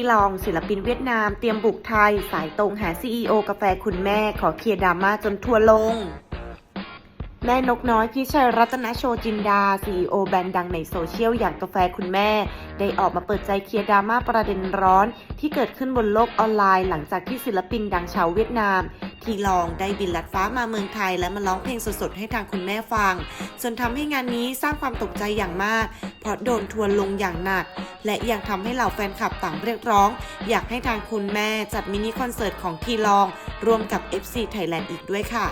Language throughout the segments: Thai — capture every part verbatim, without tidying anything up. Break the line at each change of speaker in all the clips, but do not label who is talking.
ลองศิลปินเวียดนามเตรียมบุกไทยสายตรงหา ซี อี โอ กาแฟคุณแม่ขอเคลียร์ดราม่าจนทัวร์ลงแม่นกน้อยพิชัยรัตนโชจินดา ซี อี โอ แบรนด์ดังในโซเชียลอย่างกาแฟคุณแม่ได้ออกมาเปิดใจเคลียร์ดราม่าประเด็นร้อนที่เกิดขึ้นบนโลกออนไลน์หลังจากที่ศิลปินดังชาวเวียดนามทีลองได้บินลัดฟ้ามาเมืองไทยและมาร้องเพลงสดๆให้ทางคุณแม่ฟังจนทำให้งานนี้สร้างความตกใจอย่างมากเพราะโดนทัวร์ลงอย่างหนักและยังทำให้เหล่าแฟนคลับต่างเรียกร้องอยากให้ทางคุณแม่จัดมินิคอนเสิร์ตของทีลองร่วมกับ เอฟ ซี Thailand อีกด้วยค่ะ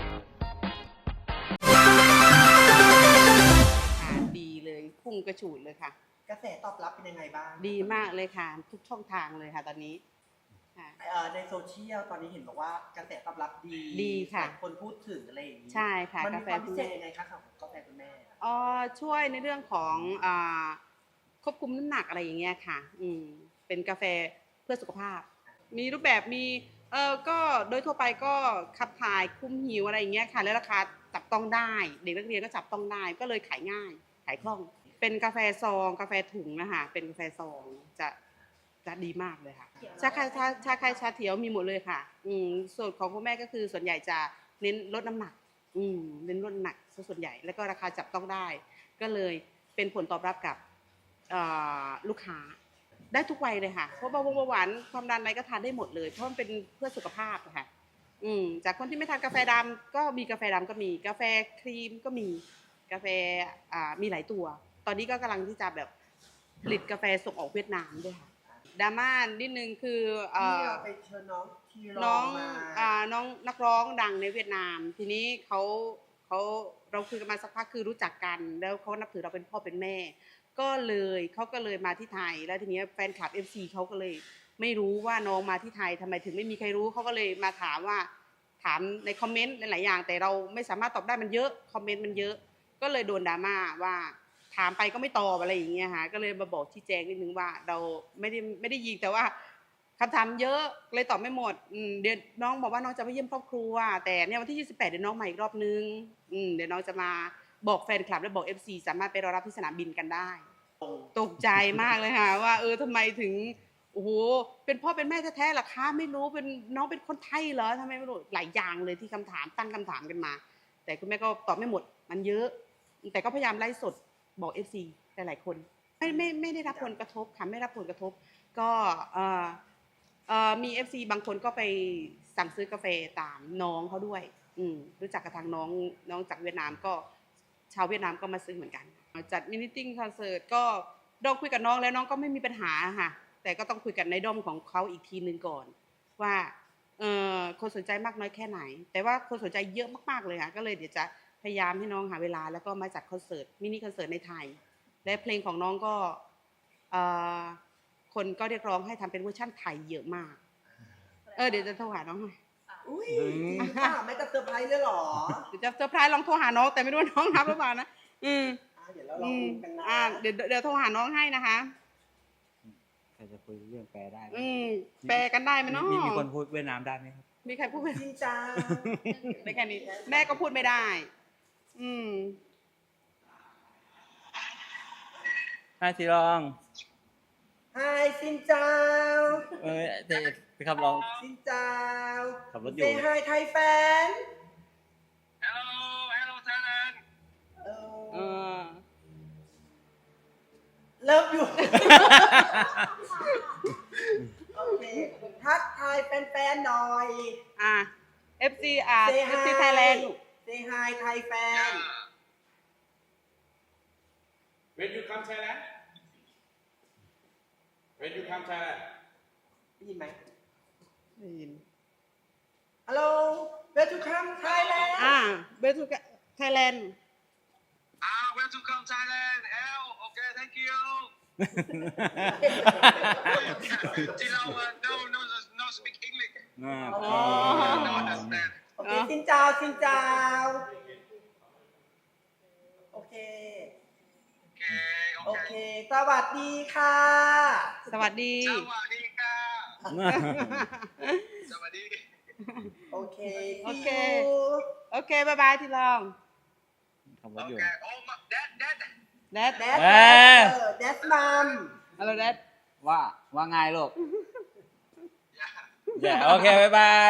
ดีเลยพุ่งกระฉูดเลยค่ะ
กระแสตอบรับเป็นยังไงบ้าง
ดีมากเลยค่ะทุกช่องทางเลยค่ะตอนนี้
ในโซเชียลตอนนี้เห็นบอกว่ากระแสตอบรับดี
ดีค่ะ
คนพูดถึงอะไรอย่างนี้
ใช่ค่ะ
มันมีความพิเศษยังไงคะของกาแฟคุณแม่
อ๋อช่วยในเรื่องของอ่าควบคุมน้ำหนักอะไรอย่างเงี้ยค่ะอืมเป็นกาแฟเพื่อสุขภาพมีรูปแบบมีเออก็โดยทั่วไปก็ขับถ่ายคุมหิวอะไรอย่างเงี้ยค่ะแล้วราคาจับต้องได้เด็กนักเรียนก็จับต้องได้ก็เลยขายง่ายขายคล่องเป็นกาแฟซองกาแฟถุงนะคะเป็นกาแฟซองจะจะดีมากเลยค่ะชาไข่ชาชาไข่ชาเขียวมีหมดเลยค่ะอืมส่วนของคุณแม่ก็คือส่วนใหญ่จะเน้นลดน้ำหนักอืมเน้นลดน้ำหนักส่วนใหญ่แล้วก็ราคาจับต้องได้ก็เลยเป็นผลตอบรับกับลูกค้าได้ทุกวัยเลยค่ะเพราะเบาหวานความดันอะไรก็ทานได้หมดเลยเพราะมันเป็นเพื่อสุขภาพค่ะอืมจากคนที่ไม่ทานกาแฟดำก็มีกาแฟดำก็มีกาแฟครีมก็มีกาแฟอ่ามีหลายตัวตอนนี้ก็กำลังที่จะแบบผลิตกาแฟส่งออกเวียดนามด้วยค่ะดราม่านิดนึงคือ
ที่เราไปเชิญน้องทีรองมา
อ่าน้องนักร้องดังในเวียดนามทีนี้เขาเขาเราคุยกันมาสักพักคือรู้จักกันแล้วเขานับถือเราเป็นพ่อเป็นแม่ก็เลยเขาก็เลยมาที่ไทยแล้วทีนี้แฟนคลับ เอฟ ซี เขาก็เลยไม่รู้ว่าน้องมาที่ไทยทำไมถึงไม่มีใครรู้เขาก็เลยมาถามว่าถามในคอมเมนต์หลายๆอย่างแต่เราไม่สามารถตอบได้มันเยอะคอมเมนต์มันเยอะก็เลยโดนดราม่าว่าถามไปก็ไม่ตอบอะไรอย่างเงี้ยค่ะก็เลยมาบอกชี้แจงนิดนึงว่าเราไม่ได้ไม่ได้ยิงแต่ว่าคำถามเยอะเลยตอบไม่หมดเดี๋ยวน้องบอกว่าน้องจะไปเยี่ยมครอบครัวแต่เนี่ยวันที่ยี่สิบแปดเดี๋ยวน้องมาอีกรอบนึงเดี๋ยวน้องจะมาบอกแฟนคลับและบอก เอฟ ซี สามารถไปรอรับที่สนามบินกันได้ตกใจมากเลยค่ะว่าเออทำไมถึงโอ้โหเป็นพ่อเป็นแม่แท้ๆหรอคะไม่รู้เป็นน้องเป็นคนไทยเหรอทำไมไม่รู้หลายอย่างเลยที่คำถามตั้งคำถามกันมาแต่คุณแม่ก็ตอบไม่หมดมันเยอะแต่ก็พยายามไล่สดบอก เอฟ ซี หลายๆคนไม่ไม่ไม่ได้รับผลกระทบค่ะไม่รับผลกระทบก็เอ่อเอ่อมี เอฟ ซี บางคนก็ไปสั่งซื้อกาแฟตามน้องเขาด้วยอืมรู้จักกับทางน้องน้องจากเวียดนามก็ชาวเวียดนามก็มาซื้อเหมือนกันจัดมินิติ้งคอนเสิร์ตก็ลองคุยกับน้องแล้วน้องก็ไม่มีปัญหาค่ะแต่ก็ต้องคุยกันในด้อมของเขาอีกทีนึงก่อนว่าเอ่อคนสนใจมากน้อยแค่ไหนแต่ว่าคนสนใจเยอะมากๆเลยค่ะก็เลยเดี๋ยวจะพยายามให้น้องหาเวลาแล้วก็มาจัดคอนเสิร์ตมินิคอนเสิร์ตในไทยและเพลงของน้องก็คนก็เรียกร้องให้ทำเป็นเวอร์ชั่นไทยเยอะมากเออเดี๋ยวจะโทรหาน้องหน่อย
อุ้ยค่ะไม่จะเซอร์ไพรส์เลยหรอ
เดี๋ยวจะเซอร์ไพรส์ลองโทรหาน้องแต่ไม่รู้น้องรับหรือเปล่านะอืม
เดี๋ยวเราลองกันนะ
อ่าเดี๋ยวเดี๋ยวโทรหาน้องให้นะคะ
ใครจะคุยเรื่องแปลได้
อืมแปลกันได้ไหมเนาะ
มีคนพูดเวียดนามได้ไหมครับ
มีใครพูด
จริงจ้า
ได้แค่นี้แม่ก็พูดไม่ได้อืม
ฮายทีรอง
ฮายซินเจ้า
เออจะไปขับร้อง
ซินเจ้า
ขับรถอยู่
Say hi Thai fan
Hello Hello Thailand
เออ
เลิฟอยู่โอเคทักทายแฟนๆหน่อย
อ่ะ เอฟ ซี อ่ะ เอฟ ซี Thailand
Say hi Thai fan
When you come Thailand When you come Thailand
ได้ยินไหม
ได้ยิน
Hello Where to come Thailand
อ่ะ Where to Thailand
Ah Where to come Thailand L Okay thank you ที่เรา no no no speak English no understand
โอเคซินเจ้าซินเจ้าโอเคโอเคสวัสดีค่ะ
สวัสดี
สวัสดีค่ะสวัสดี
โอเค
โอเคโอเคบายบายทีลอง
ขับรถอยู่
Okay oh that that
that
that
เออ
that mom
อะไร that
ว่าว่าไงลูก
Yeah.
อย่าโอเคบ๊ายบาย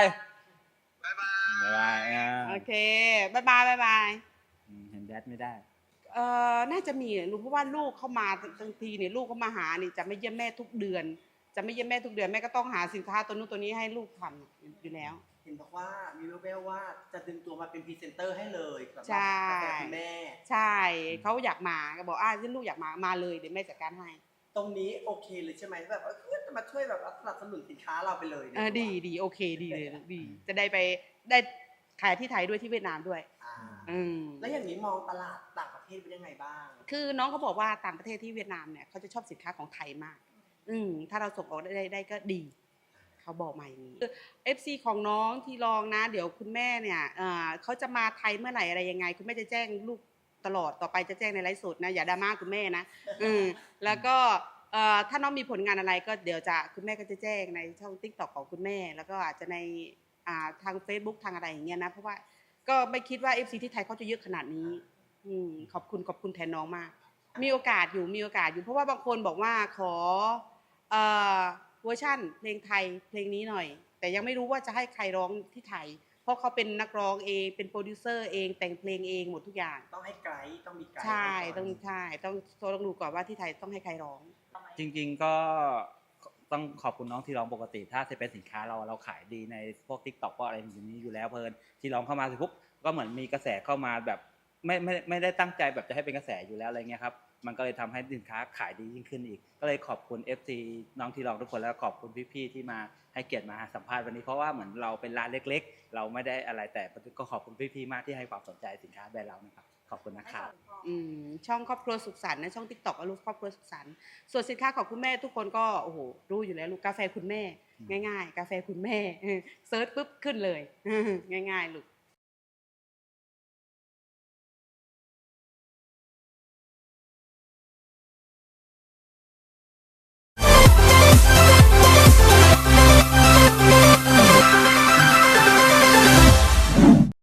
Bye
บ๊าย
bye.
บายอ่า
โอเคบายบายบายบาย
อืมเห็นแดดไม่ได้
เอ่อน่าจะมีลูกเพราะว่าลูกเข้ามาบางทีเนี่ยลูกเขามาหานี่จะไม่เยี่ยมแม่ทุกเดือน จะไม่เยี่ยมแม่ทุกเดือนแม่ก็ต้องหาสินค้าตัวนู้นตัวนี้ให้ลูกทำอยู่แล้ว
เห็นบอกว่ามีแววๆว่าจะดึงตัวมาเป็นพรีเซนเตอร์ให้เลยสำหรับ
ใช่
กาแฟคุณแม่
ใช่เขาอยากมาก็บอกอ่าที่ลูกอยากมามาเลยเดี๋ยวแม่จัดการให้
ตรงนี้โอเคเลยใช่ไหมแบบเออจะมาช่วยแบบสนับสนุนสินค้าเราไปเลย
เออดีดีโอเคดีเลยดี จะได้ไปได้ขายที่ไทยด้วยที่เวียดนามด้วย
อ่า
อืม
แล้วอย่างนี้มองตลาดต่างประเทศเป็นยังไงบ้าง
คือน้องเขาบอกว่าต่างประเทศที่เวียดนามเนี่ยเขาจะชอบสินค้าของไทยมาก อืมถ้าเราส่งออกได้ได้ได้ก็ดี เขาบอกมาอย่างนี้เอฟซีของน้องที่ลองนะ เดี๋ยวคุณแม่เนี่ยเอ่อเขาจะมาไทยเมื่อไหร่อะไรยังไง คุณแม่จะแจ้งลูกตลอดต่อไปจะแจ้งในไลฟ์สดนะอย่าดราม่าคุณแม่นะอืมแล้วก็เอ่อถ้าน้องมีผลงานอะไรก็เดี๋ยวจะคุณแม่ก็จะแจ้งในช่อง ติ๊กต็อก ของคุณแม่ แล้วก็อาจจะในอ่าทาง เฟซบุ๊ก ทางอะไรอย่างเงี้ยนะเพราะว่าก็ไม่คิดว่า เอฟ ซี ที่ไทยเขาจะเยอะขนาดนี้อืมขอบคุณขอบคุณแทนน้องมาก มีโอกาสอยู่มีโอกาสอยู่เพราะว่าบางคนบอกว่าขอเอ่อเวอร์ชั่นเพลงไทยเพลงนี้หน่อย แต่ยังไม่รู้ว่าจะให้ใครร้องที่ไทย เพราะเขาเป็นนักร้องเองเป็นโปรดิวเซอร์เองแต่งเพลงเองหมดทุกอย่าง
ต้องให้ไกด์ต้องมีไกด์
ใช่
ให้ก่น
ต้องใช่ต้องต้องดูก่อนว่าที่ไทยต้องให้ใครร้อง
จริงๆก็ต้องขอบคุณน้องที่ร้องปกติ ถ้าจะเป็นสินค้าเราเราขายดีในพวก ติ๊กต็อก พวกอะไรอย่างนี้อยู่แล้วเพลินที่ร้องเข้ามาเสร็จปุ๊บก็เหมือนมีกระแสเข้ามาแบบไม่ไม่ไม่ได้ตั้งใจแบบจะให้เป็นกระแสอยู่แล้วอะไรเงี้ยครับมันก็เลยทำให้สินค้าขายดียิ่งขึ้นอีก ก็เลยขอบคุณ เอฟ ซี น้องที่ร้องทุกคนแล้วขอบคุณพี่ๆที่มาให้เกียรติมาสัมภาษณ์วันนี้เพราะว่าเหมือนเราเป็นร้านเล็กๆ เราไม่ได้อะไรแต่ก็ขอบคุณพี่ๆมากที่ให้ความสนใจสินค้าแบรนด์เรานะครับขอบคุณนะครับ
อืมช่องครอบครัวสุขสันต์นะช่อง ติ๊กต็อก อลูกครอบครัวสุขสันต์ส่วนสินค้าของคุณแม่ทุกคนก็โอ้โหรู้อยู่แล้วลูกกาแฟคุณแม่ ง่ายๆ กาแฟคุณแม่เซิร์ชปุ๊บขึ้นเลยง่ายๆลูก